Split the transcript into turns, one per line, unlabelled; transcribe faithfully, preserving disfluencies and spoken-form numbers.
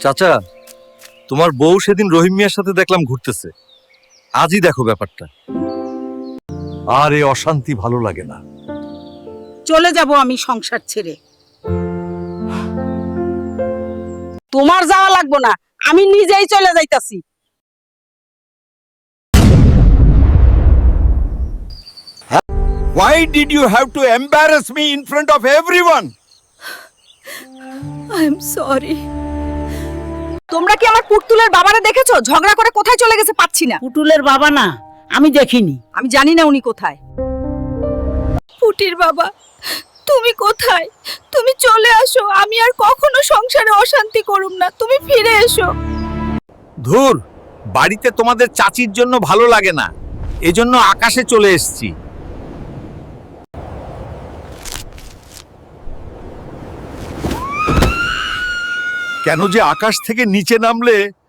চাচা, তোমার বউ সেদিন রহিম মিয়ার সাথে দেখলাম ঘুরতেছে। আজই দেখো ব্যাপারটা। আর এই অশান্তি ভালো লাগে না।
চলে যাব আমি সংসার ছেড়ে। তোমার যাওয়া লাগবো না, আমি নিজেই চলে যাইতাছি।
Why did you have to embarrass me in front of everyone?
I am sorry.
তোমরা কি আমার পুতুলের বাবারে দেখেছো? ঝগড়া করে কোথায় চলে গেছে পাচ্ছি না। পুতুলের বাবা না, আমি দেখিনি। আমি জানি না উনি কোথায়।
পুটির বাবা, তুমি কোথায়? তুমি চলে আসো, আমি আর কখনো সংসারে অশান্তি করুম না। তুমি ফিরে এসো।
ধুর, বাড়িতে তোমাদের চাচির জন্য ভালো লাগে না, এজন্য আকাশে চলে এসেছি।
কেন যে আকাশ থেকে নিচে নামলে